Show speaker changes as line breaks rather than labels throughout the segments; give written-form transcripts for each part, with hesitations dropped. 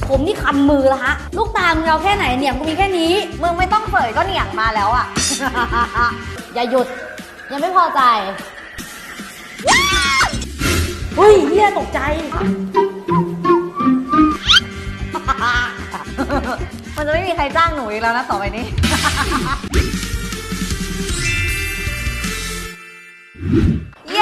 ผมนี่คันมือแล้วฮะลูกตามึงเอาแค่ไหนเนี่ยกูมีแค่นี้
มึงไม่ต้องเสยก็เหนียงมาแล้วอ่ะ
อย่าหยุดยังไม่พอใจเฮ้ยเฮียตกใจ
มันจะไม่มีใครจ้างหนูอีกแล้วนะต่อไปนี้ เย้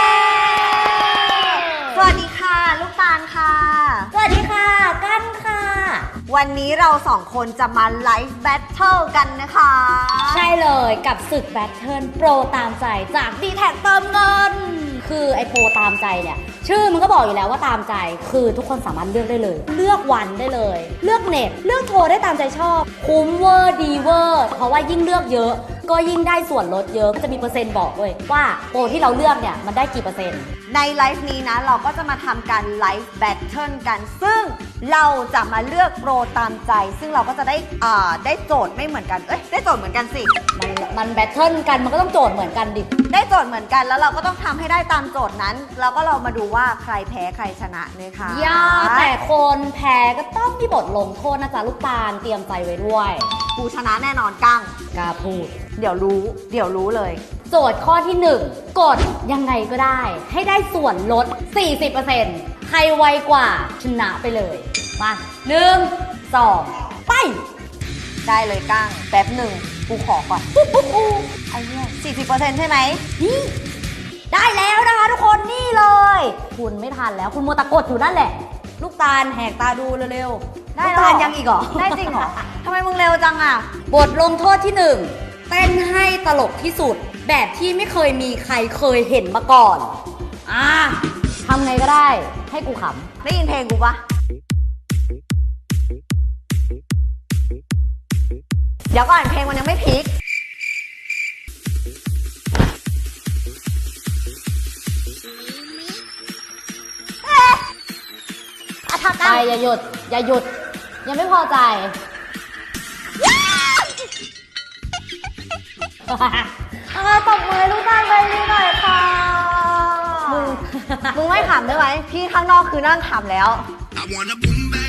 สวัสดีค่ะลูกตาลค่ะ
สวัสดีค่ะกันค่ะ
วันนี้เราสองคนจะมาไลฟ์แบทเทิลกันนะคะ
ใช่เลยกับศึกแบทเทิลโปรตามใจจาก D-Tag เติมเงินคือไอโปรตามใจเนี่ยชื่อมันก็บอกอยู่แล้วว่าตามใจคือทุกคนสามารถเลือกได้เลยเลือกวันได้เลยเลือกเน็ตเลือกโทรได้ตามใจชอบคุ้มเวอร์ดีเวอร์เพราะว่ายิ่งเลือกเยอะก็ยิ่งได้ส่วนลดเยอะก็จะมีเปอร์เซ็นต์บอกด้วยว่าโปรที่เราเลือกเนี่ยมันได้กี่เปอร์เซ็นต์
ในไลฟ์นี้นะเราก็จะมาทำการไลฟ์แบทเทิลกันซึ่งเราจะมาเลือกโปรตามใจซึ่งเราก็จะได้โจทย์ไม่เหมือนกันได้โจทย์เหมือนกันสิ
มันแบทเทิลกันมันก็ต้องโจทย์เหมือนกันดิ
ได้โจทย์เหมือนกันแล้วเราก็ต้องทำให้ได้ตามโจทย์นั้นแล้วก็เรามาดูว่าใครแพ้ใครชนะนะคะ
ย่าแต่คนแพ้ก็ต้องมีบทลงโทษนะจ๊ะลูกตาลเตรียมใจไว้ด้วย
กูชนะแน่นอนกั้ง
กล้าพูด
เดี๋ยวรู้เลย
โจทย์ข้อที่1กดยังไงก็ได้ให้ได้ส่วนลด 40% ใครไวกว่าชนะไปเลยมา1 2ไป
ได้เลยกั้งแป๊บหนึ่งกูขอก่อนไอ้เนี่ย40%ใช่ไหม
นี่ได้แล้วนะคะทุกคนนี่เลยคุณไม่ทันแล้วคุณมัวตะกดอยู่นั่นแหละลูกตาลแหกตาดูเร็วๆ
ได้
ลูกตาลยังอีกเหรอ
ได้จริงเหรอทำไมมึงเร็วจังอ่ะ
บทลงโทษที่1เต้นให้ตลกที่สุดแบบที่ไม่เคยมีใครเคยเห็นมาก่อนทำไงก็ได้ให้กูขำ
ได้ยินเพลงกูปะเดี๋ยวก่อนเพลงมันยังไม่พีค
ไปอย่าหยุดยังไม่พอใจ
ตบมือลูกตาลไปนี่หน่อยค่ะมึงไม่ขำได้ไหมพี่ข้างนอกคือนั่งขำแล้ว